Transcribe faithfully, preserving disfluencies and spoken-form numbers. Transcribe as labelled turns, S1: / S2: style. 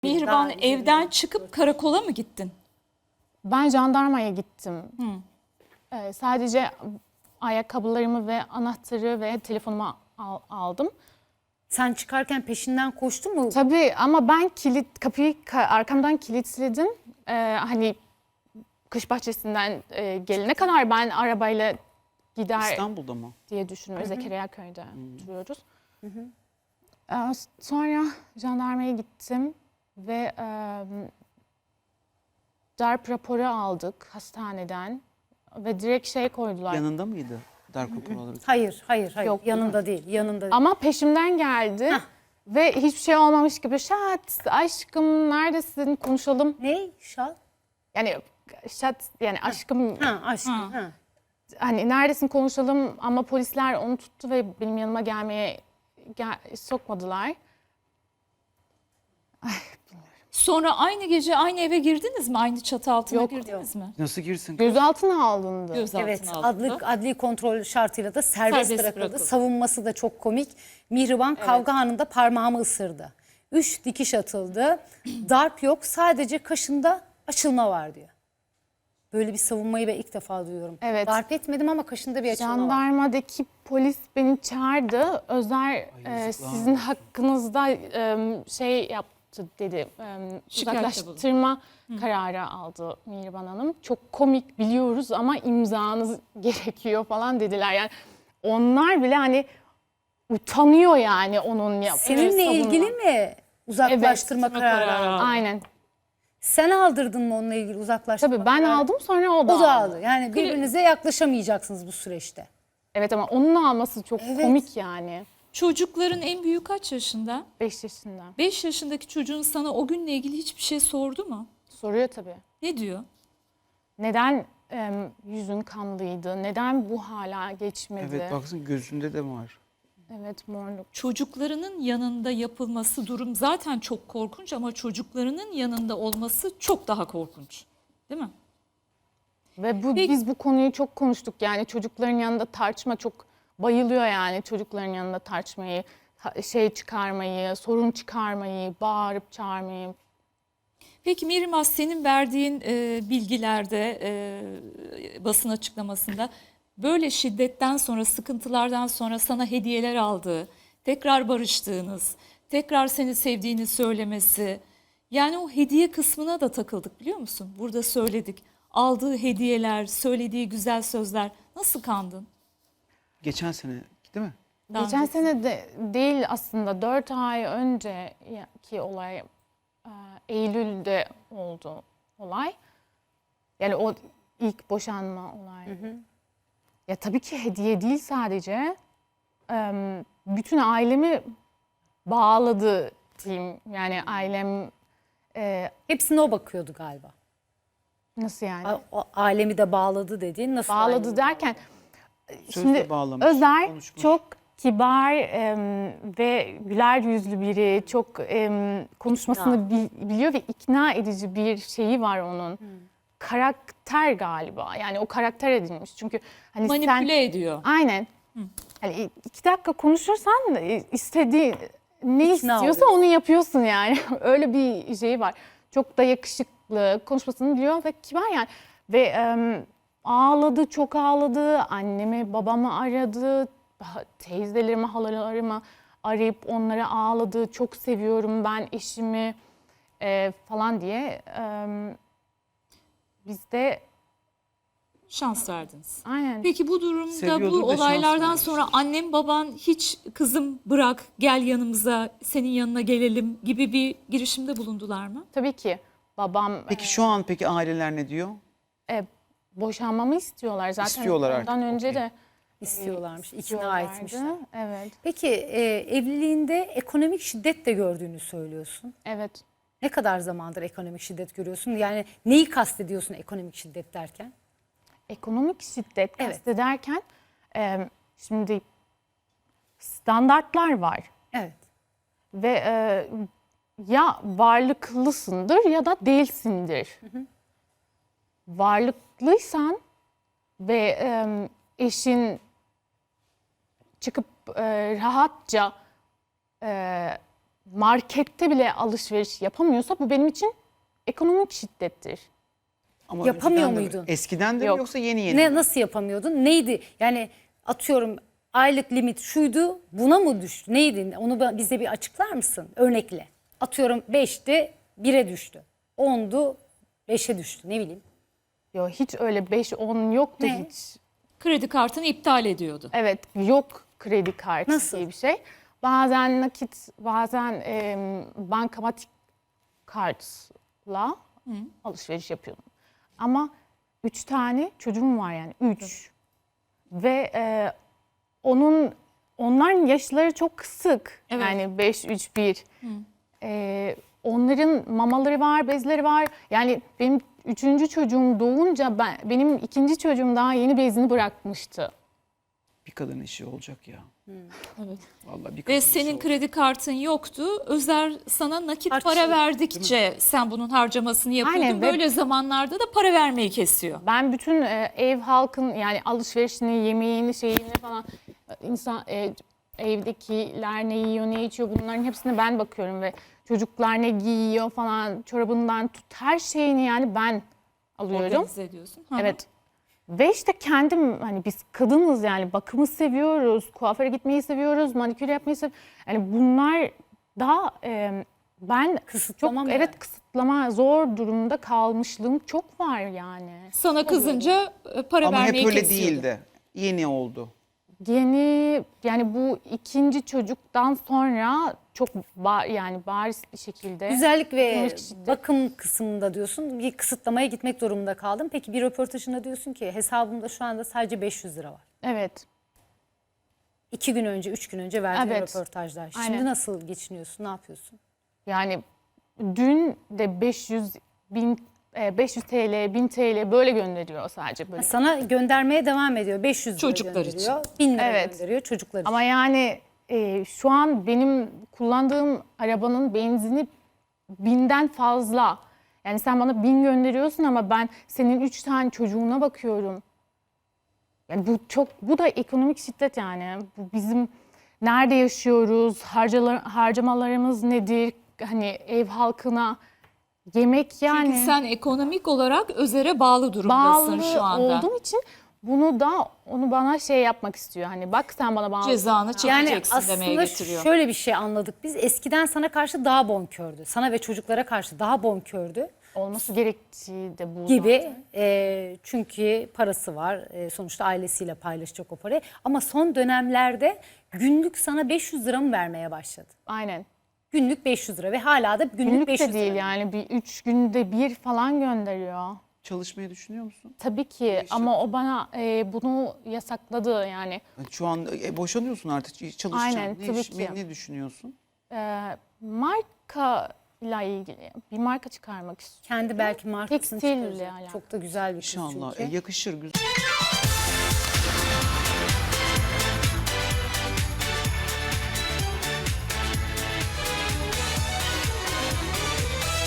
S1: Mihriban, evden çıkıp karakola mı gittin?
S2: Ben jandarmaya gittim.
S1: Hı.
S2: Ee, sadece ayakkabılarımı ve anahtarı ve telefonumu al- aldım.
S3: Sen çıkarken peşinden koştu mu?
S2: Tabii ama ben kilit kapıyı ka- arkamdan kilitledim. Ee, hani kış bahçesinden e, gelene kadar ben arabayla gider
S4: İstanbul'da mı?
S2: diye düşünüyorum. Zekeriya köyde oturuyoruz. Ee, sonra jandarmaya gittim ve e, darp raporu aldık hastaneden ve direkt şey koydular.
S4: Yanında mıydı darp raporu olarak?
S3: Hayır, hayır, hayır.
S2: Yok,
S3: Yanında değil, yanında değil.
S2: Ama peşimden geldi ve hiçbir şey olmamış gibi şat aşkım neredesin konuşalım.
S3: Ne? Şal?
S2: Yani şat yani aşkım
S3: Ha, aşkım. Ha.
S2: hani neredesin konuşalım ama polisler onu tuttu ve benim yanıma gelmeye gel, sokmadılar.
S1: Sonra aynı gece aynı eve girdiniz mi? Aynı çatı altına
S2: Yok,
S1: girdiniz mi?
S4: Nasıl girsin?
S2: Gözaltına alındı.
S1: Gözaltına
S3: Evet,
S1: alındı.
S3: adli, adli kontrol şartıyla da serbest,
S1: Serbest
S3: bırakıldı.
S1: bırakıldı.
S3: Savunması da çok komik. Mihriban kavga anında parmağımı ısırdı. Üç dikiş atıldı. Darp yok, sadece kaşında açılma var diyor. Böyle bir savunmayı ben ilk defa duyuyorum.
S2: Evet.
S3: Darp etmedim ama kaşında bir açılma var.
S2: Jandarmadaki polis beni çağırdı. Özer e,
S4: yazıklar
S2: sizin hakkınızda e, şey yaptı dedi. E,
S1: Şikayette
S2: uzaklaştırma kararı aldı Mihriban Hanım. Çok komik biliyoruz ama imzanız gerekiyor falan dediler. Yani onlar bile hani utanıyor yani onun yap.
S3: Seninle
S2: savunma.
S3: ilgili mi uzaklaştırma
S2: Evet,
S3: kararı?
S1: kararı.
S3: aldın?
S2: Aynen.
S3: Sen aldırdın mı onunla ilgili uzaklaştırma
S2: Tabii ben
S3: kararı?
S2: aldım sonra o da,
S3: O da
S2: aldı.
S3: aldı. Yani birbirinize yaklaşamayacaksınız bu süreçte.
S2: Evet ama onun alması çok
S3: Evet.
S2: komik yani.
S1: Çocukların en büyüğü kaç yaşında?
S2: beş yaşında.
S1: beş yaşındaki çocuğun sana o günle ilgili hiçbir şey sordu mu?
S2: Soruyor tabii.
S1: Ne diyor?
S2: Neden em, yüzün kanlıydı? Neden bu hala geçmedi?
S4: Evet baksana gözünde de var.
S2: Evet, morluk.
S1: Çocuklarının yanında yapılması durum zaten çok korkunç ama çocuklarının yanında olması çok daha korkunç. Değil mi?
S2: Ve bu
S1: Peki-
S2: biz bu konuyu çok konuştuk yani çocukların yanında tartışma çok bayılıyor yani çocukların yanında tartışmayı, ha- şey çıkarmayı, sorun çıkarmayı, bağırıp çağırmayı.
S1: Peki Mihrimah, senin verdiğin e, bilgilerde, e, basın açıklamasında böyle şiddetten sonra, sıkıntılardan sonra sana hediyeler aldığı, tekrar barıştığınız, tekrar seni sevdiğini söylemesi, yani o hediye kısmına da takıldık biliyor musun? Burada söyledik. Aldığı hediyeler, söylediği güzel sözler, nasıl kandın?
S4: Geçen sene değil mi?
S1: Daha
S2: Geçen
S1: önce-
S2: sene de değil aslında dört ay önceki olay e, Eylül'de oldu olay. Yani o ilk boşanma olayı. Ya tabii ki hediye değil sadece. Em, Bütün ailemi bağladı diyeyim. Yani ailem e,
S3: Hepsine o bakıyordu galiba.
S2: nasıl yani?
S3: A- O alemi de bağladı dediğin nasıl?
S2: Bağladı
S3: alemi
S2: derken
S4: Sözle
S2: şimdi
S4: bağlamış,
S2: Özer
S4: konuşmuş.
S2: çok kibar em, ve güler yüzlü biri. Çok em, konuşmasını bil- biliyor ve ikna edici bir şeyi var onun. Karakter galiba. Yani o karakter edilmiş. Çünkü hani sen
S1: Manipüle ediyor.
S2: aynen. Hani iki dakika konuşursan e, istediği ne
S3: İkna
S2: istiyorsa
S3: oluyorsun.
S2: onu yapıyorsun yani. Öyle bir şey var. Çok da yakışıklı, konuşmasını biliyor ve kibar yani. Ve em, ağladı, çok ağladı. Annemi, babamı aradı. ha- Teyzelerimi, halalarımı arayıp onlara ağladı. Çok seviyorum ben eşimi e, falan diye. Em, biz de
S1: Şans verdiniz.
S2: aynen.
S1: Peki bu durumda,
S4: Seviyordur
S1: bu
S4: da şans
S1: olaylardan
S4: vermiş.
S1: sonra annem baban hiç kızım bırak gel yanımıza, senin yanına gelelim gibi bir girişimde bulundular mı?
S2: Tabii ki babam
S4: Peki şu an peki aileler ne diyor?
S2: e, boşanmamı istiyorlar zaten.
S4: İstiyorlar artık,
S2: Ondan önce
S4: okey.
S2: de
S3: istiyorlarmış, ikna
S2: istiyorlardı.
S3: etmişler.
S2: Evet,
S3: Peki e, evliliğinde ekonomik şiddet de gördüğünü söylüyorsun.
S2: evet.
S3: Ne kadar zamandır ekonomik şiddet görüyorsun? Yani neyi kastediyorsun ekonomik şiddet derken?
S2: Ekonomik şiddet
S3: Evet.
S2: kastederken e, şimdi standartlar var
S3: Evet.
S2: ve e, ya varlıklısındır ya da değilsindir. Varlıklıysan ve e, eşin çıkıp e, rahatça e, markette bile alışveriş yapamıyorsa bu benim için ekonomik şiddettir.
S4: Ama
S3: Yapamıyor
S4: önceden de-
S3: muydun?
S4: Eskiden de mi
S2: Yok.
S4: yoksa yeni yeni?
S3: Ne
S4: mi?
S3: nasıl yapamıyordun? Neydi? Yani atıyorum aylık limit şuydu, buna mı düştü? Neydi? Onu ba- bize bir açıklar mısın? Örnekle. Atıyorum beşti, bire düştü. ondu, beşe düştü. Ne bileyim.
S2: Yo, hiç öyle beş on yoktu
S3: Ne?
S2: hiç.
S1: Kredi kartını iptal ediyordu.
S2: Evet, yok kredi kartı
S3: Nasıl?
S2: diye bir şey. Bazen nakit, bazen e, bankamatik kartla alışveriş yapıyordum. Ama üç tane çocuğum var yani üç. Ve e, onun onların yaşları çok kısık.
S1: Evet.
S2: Yani beş, üç, bir. E, onların mamaları var, bezleri var. Yani benim üçüncü çocuğum doğunca ben, benim ikinci çocuğum daha yeni bezini bırakmıştı.
S4: Bir kadın işi olacak ya.
S1: Evet.
S4: Vallahi bir kadın
S1: Ve
S4: işi
S1: senin
S4: olacak.
S1: kredi kartın yoktu. Özer sana nakit
S3: Harç-
S1: para verdikçe sen bunun harcamasını yapıyordun.
S2: Aynen ve-
S1: Böyle zamanlarda da para vermeyi kesiyor.
S2: Ben bütün e, ev halkın yani alışverişini, yemeğini, şeyini falan e, insan e, evdekiler ne yiyor, ne içiyor bunların hepsine ben bakıyorum ve çocuklar ne giyiyor falan çorabından tut her şeyini yani ben alıyorum.
S1: Organize ediyorsun. Hı hı.
S2: Evet. Ve işte kendim hani biz kadınız yani bakımı seviyoruz, kuaföre gitmeyi seviyoruz, manikür yapmayı seviyoruz. Yani bunlar daha e, ben
S3: Kısıtlama
S2: çok
S3: mı
S2: evet
S3: yani?
S2: kısıtlama zor durumda kalmışlığım çok var yani.
S1: Sana kızınca e, para
S4: Ama
S1: vermeyi
S4: hep öyle
S1: kesiyordu.
S4: değildi. Yeni oldu.
S2: Yeni yani bu ikinci çocuktan sonra çok ba- yani bariz bir şekilde
S3: Güzellik ve
S2: ekonomik şiddet.
S3: bakım kısmında diyorsun bir kısıtlamaya gitmek durumunda kaldım. Peki bir röportajında diyorsun ki hesabımda şu anda sadece beş yüz lira var.
S2: Evet.
S3: İki gün önce, üç gün önce verdiğin
S2: Evet.
S3: röportajlar. Şimdi
S2: Aynen.
S3: nasıl geçiniyorsun, ne yapıyorsun?
S2: Yani dün de beş yüz bin e, beş yüz T L, bin T L böyle gönderiyor sadece böyle.
S3: Sana göndermeye devam ediyor. beş yüz lira
S1: Çocuklar için.
S3: gönderiyor. bin lira
S2: Evet.
S3: gönderiyor çocuklar için.
S2: Ama yani e, şu an benim kullandığım arabanın benzini binden fazla. Yani sen bana bin gönderiyorsun ama ben senin üç tane çocuğuna bakıyorum. Yani bu çok, bu da ekonomik şiddet yani. Bu bizim nerede yaşıyoruz, harcalar, harcamalarımız nedir? Hani ev halkına yemek yani.
S1: Çünkü sen ekonomik olarak Özer'e bağlı durumdasın
S2: bağlı
S1: şu anda.
S2: olduğum için bunu da onu bana şey yapmak istiyor. Hani bak sen bana bağlı.
S1: Cezanı
S3: Yani
S1: çekeceksin demeye
S3: aslında
S1: getiriyor.
S3: şöyle bir şey anladık biz. Eskiden sana karşı daha bonkördü. Sana ve çocuklara karşı daha bonkördü
S2: Olması gerektiği de bu
S3: gibi.
S2: zaten.
S3: E, çünkü parası var. E, sonuçta ailesiyle paylaşacak o parayı. Ama son dönemlerde günlük sana beş yüz lira mı vermeye başladı?
S2: Aynen.
S3: Günlük beş yüz lira ve hala da günlük,
S2: Günlük
S3: beş yüz
S2: de değil
S3: lira.
S2: yani bir üç günde bir falan gönderiyor.
S4: Çalışmayı düşünüyor musun?
S2: Tabii ki ama o bana e, bunu yasakladı yani.
S4: Şu an e, boşanıyorsun artık çalışacaksın.
S2: Aynen,
S4: ne,
S2: tabii
S4: iş-
S2: ki.
S4: ne, ne düşünüyorsun?
S2: E, marka ile ilgili bir marka çıkarmak istiyorum.
S3: Kendi belki markasını
S2: Tekstille
S3: çıkaracak.
S2: alakalı.
S3: Çok da güzel bir kız
S4: İnşallah.
S3: çünkü.
S4: E, yakışır güzel.